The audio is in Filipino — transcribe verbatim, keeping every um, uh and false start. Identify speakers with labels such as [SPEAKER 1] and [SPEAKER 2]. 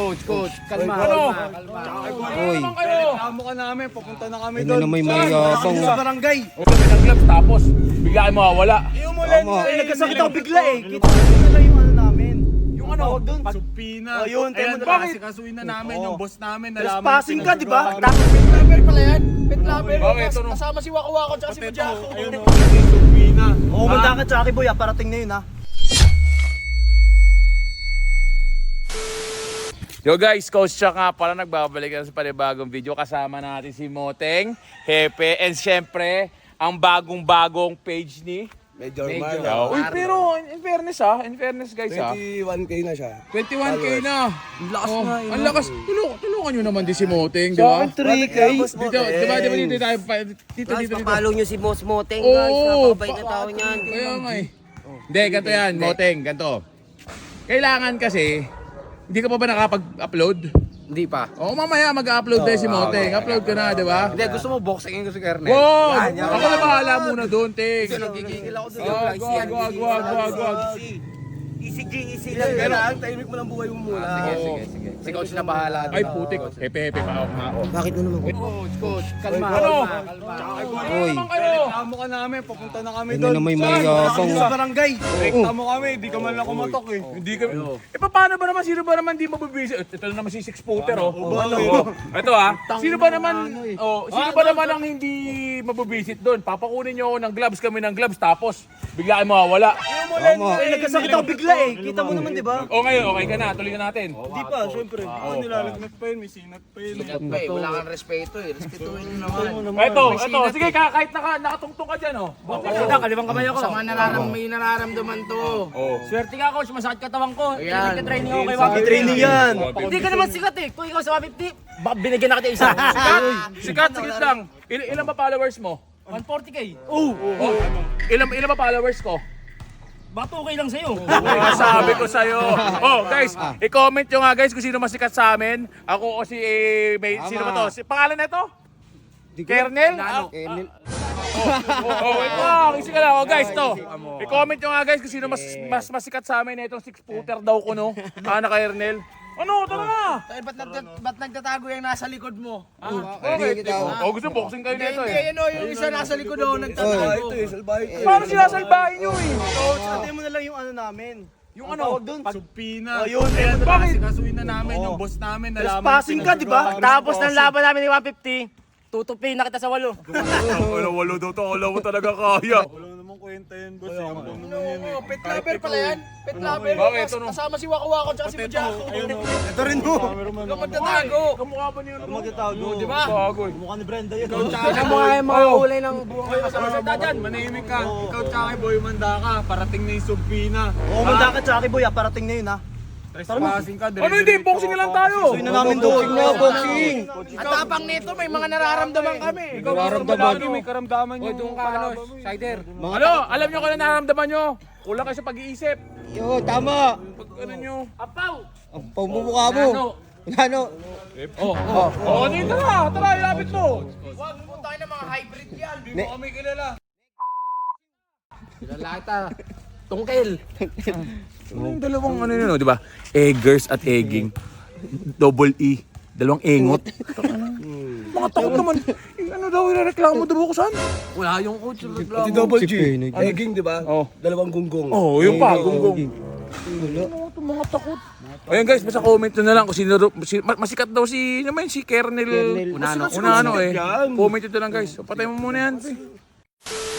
[SPEAKER 1] Coach, coach, kalma.
[SPEAKER 2] Ano?
[SPEAKER 1] Kalma.
[SPEAKER 2] Uy,
[SPEAKER 3] Reklamo ka namin, papunta na kami
[SPEAKER 2] ano
[SPEAKER 3] doon.
[SPEAKER 2] na may mayabang.
[SPEAKER 3] Sa barangay.
[SPEAKER 4] Kami ng gloves tapos bigla kayo mawawala.
[SPEAKER 3] Yung mo
[SPEAKER 2] Tama.
[SPEAKER 3] eh, nagkasakit ako bigla eh. Kita mo na lang yung ano namin.
[SPEAKER 4] Yung ano?
[SPEAKER 3] Tawag doon.
[SPEAKER 4] Supina.
[SPEAKER 3] Oh, yun, tayo
[SPEAKER 4] Ayan,
[SPEAKER 3] mo na-
[SPEAKER 4] bakit? Sikasuin na namin
[SPEAKER 3] Oo.
[SPEAKER 4] yung boss namin.
[SPEAKER 3] Trespassing ka, di ba?
[SPEAKER 1] Tapos pet lover pala yan. Pet lover.
[SPEAKER 4] Bakit? Ito, no?
[SPEAKER 1] Kasama si Wako Wako tsaka si Mujako.
[SPEAKER 4] Ayun o, supina.
[SPEAKER 3] Oo, manda ka, Chucky Boy, ah, parating na yun ha.
[SPEAKER 4] Yo guys, Coach Chuck nga pala nagbabalik na sa panibagong video. Kasama natin si Moteng, Hepe, and syempre, ang bagong-bagong page ni
[SPEAKER 3] Major
[SPEAKER 1] Major.
[SPEAKER 3] Marlo.
[SPEAKER 4] Uy, pero in fairness ha, in fairness guys ha.
[SPEAKER 3] twenty-one K na siya.
[SPEAKER 1] twenty-one K na.
[SPEAKER 3] Ang lakas
[SPEAKER 1] Oh,
[SPEAKER 3] nga yun.
[SPEAKER 1] ang lakas. Tulungan, tulungan nyo naman din si Moteng, di ba?
[SPEAKER 3] three K.
[SPEAKER 1] Dito, di ba, di ba dito tayo, pa- dito, dito,
[SPEAKER 5] Guys,
[SPEAKER 1] dito.
[SPEAKER 5] papalo nyo si Boss Moteng,
[SPEAKER 1] Oo,
[SPEAKER 5] guys. Napakabait na
[SPEAKER 1] pa-
[SPEAKER 5] tao niyan.
[SPEAKER 1] Kaya nga eh. Hindi, ganito yan, Moteng, ganito. Kailangan kasi, hindi ka pa ba nakapag-upload?
[SPEAKER 5] Hindi pa.
[SPEAKER 1] Oo, mamaya mag-upload tayo si Moteng. Upload ka na, di ba?
[SPEAKER 5] Hindi, gusto mo boxingin ko si Kernel.
[SPEAKER 1] Wow! Ako na bahala muna doon, Teng.
[SPEAKER 5] Nagigigil ako doon.
[SPEAKER 1] Wag, wag, wag, wag, wag, wag.
[SPEAKER 5] Easy G, easy lang.
[SPEAKER 3] Pero ang tahimik mo ng buhay mo muna.
[SPEAKER 5] Sige, sige, sige. Si Coach na bahala.
[SPEAKER 1] Ay, putik. Hepe-hepe pa ako. ako.
[SPEAKER 5] Bakit mo naman?
[SPEAKER 1] Coach, coach, kalma.
[SPEAKER 4] Ano?
[SPEAKER 2] Uy,
[SPEAKER 3] Reklamo ka namin, papunta na kami
[SPEAKER 2] ano
[SPEAKER 3] doon.
[SPEAKER 2] na may mayabang.
[SPEAKER 3] Sa barangay. Reklamo kami, di ka man lang kumatok eh.
[SPEAKER 4] Hindi kami. Eh paano ba naman, sino ba naman di mabibisit? Ito na naman si six footer oh. Oh. Ito ah. Sino ba naman, oh, sino ba naman ang hindi mabibisit doon? Papakunin niyo ako ng gloves, kami ng gloves, tapos bigla kayo mawawala.
[SPEAKER 2] Tama.
[SPEAKER 3] Eh, nagkasakit ako bigla eh. Kita mo naman, di ba?
[SPEAKER 4] O ngayon, okay ka na, tuloy na natin.
[SPEAKER 3] Di pa, syempre. Oo, nilalagnat pa yun, may sinat pa yun.
[SPEAKER 5] Hey, wala kang respeto eh. Respetuhin nyo naman.
[SPEAKER 4] Ito, ito, sige ka, kahit naka, nakatungtong ka dyan oh.
[SPEAKER 3] Kalibang kamay ako.
[SPEAKER 1] Sa mga nararam, may nararamdaman to.
[SPEAKER 4] Swerte ka coach, masakit katawan ko.
[SPEAKER 1] Ayan.
[SPEAKER 4] Training ako kay
[SPEAKER 3] Sabi training yan.
[SPEAKER 5] Hindi ka naman sikat eh. Kung ikaw sa one fifty, baka binigyan na kita isa.
[SPEAKER 4] Sikat, sikat, sikat lang. Il ilan ba followers mo?
[SPEAKER 5] one forty K.
[SPEAKER 4] Oh, ilan, ilan ba followers ko?
[SPEAKER 5] Baka okay lang sa'yo.
[SPEAKER 4] Ah, sabi ko sa'yo. Oh, guys, i-comment nyo nga guys kung sino masikat sa amin. Ako o si, eh, may, sino ba to? Si, pangalan na ito? Kernel? Ah,
[SPEAKER 2] Kernel.
[SPEAKER 4] oh, wait lang. Isi ka lang. Oh, guys, to. I-comment nyo nga guys kung sino mas, mas masikat sa amin na itong six footer daw ko, no? Ah, na Kernel. Ano? Tara na!
[SPEAKER 1] Eh, ba't, nagtat ba't nagtatago yung nasa likod mo?
[SPEAKER 4] Okay. Oh, gusto boxing kayo nito
[SPEAKER 1] Hindi,
[SPEAKER 4] eh.
[SPEAKER 1] yun o, yung isa nasa likod o, nagtatago.
[SPEAKER 3] Ito eh, salbahe ito eh.
[SPEAKER 4] Paano sinasalbahin nyo eh?
[SPEAKER 3] Coach, atay mo na lang yung ano namin.
[SPEAKER 4] Yung ano?
[SPEAKER 3] Tawag doon.
[SPEAKER 4] Supina.
[SPEAKER 3] Oh, yun.
[SPEAKER 4] Ayan,
[SPEAKER 3] Bakit?
[SPEAKER 4] sikasuin na namin yung boss namin.
[SPEAKER 3] Trespassing ka, di ba?
[SPEAKER 5] Tapos ng laban namin ni one fifty, tutupin na kita sa walo.
[SPEAKER 4] Wala, wala daw to. Wala mo talaga kaya.
[SPEAKER 3] Wala namang kwenta yan, boss. Ang buong naman yan eh.
[SPEAKER 1] Oo, pet lover pala yan. Pet lover.
[SPEAKER 4] Bakit?
[SPEAKER 1] Kas- Kasama si Wako Wako tsaka si Mujako.
[SPEAKER 3] Ito rin mo.
[SPEAKER 1] Ikaw magtatago.
[SPEAKER 4] Kamukha ba niyo?
[SPEAKER 3] Ang magtatago.
[SPEAKER 1] Di ba?
[SPEAKER 4] Bago eh.
[SPEAKER 3] Mukha ni Brenda yun.
[SPEAKER 5] Tignan mo nga yung mga kulay ng buhay mo sa
[SPEAKER 4] Salita dyan, manahimik ka. Ikaw tsaka boy, manda ka. Parating na yung Subpina.
[SPEAKER 3] Oo, manda ka, Chucky Boy, ah, parating na yun ha.
[SPEAKER 4] Trespassing ka. Ano hindi? Boxing na lang tayo.
[SPEAKER 3] Suin na namin doon.
[SPEAKER 2] Boxing.
[SPEAKER 1] Ang tapang nito, may mga nararamdaman kami.
[SPEAKER 4] Ikaw nararamdaman nyo. May karamdaman nyo.
[SPEAKER 5] doon ka, ano, Sider.
[SPEAKER 4] Ano? Alam nyo kung ano nararamdaman nyo? Kulang kayo sa pag-iisip.
[SPEAKER 2] Yo, tama.
[SPEAKER 4] Pag ano nyo.
[SPEAKER 5] Apaw!
[SPEAKER 2] Ang pamumukha mo. Ano?
[SPEAKER 4] Oh, oh. Oh, dito na. Tara, ilapit mo.
[SPEAKER 1] Huwag mo tayo ng mga hybrid yan.
[SPEAKER 4] Hindi mo kami kilala.
[SPEAKER 5] Lalata. Tungkel.
[SPEAKER 4] Yung dalawang ano yun, di ba? Eggers at egging. Double E. Dalawang engot. Mga takot naman. Eh, ano daw ireklamo daw ko saan?
[SPEAKER 5] Wala yung coach.
[SPEAKER 3] Pati double
[SPEAKER 2] Si
[SPEAKER 3] G.
[SPEAKER 2] Penig.
[SPEAKER 3] Egging, di ba?
[SPEAKER 4] Oh.
[SPEAKER 3] Dalawang gunggong.
[SPEAKER 4] Oh, yung pa, gunggong. Ano to, mga takot. Ayun guys, basta comment nyo na lang kung sino, si, ma- masikat daw si, ano man, si Kernel.
[SPEAKER 2] Kernel.
[SPEAKER 4] Unano. Unano eh. Comment nyo na lang guys. So, patay mo muna yan.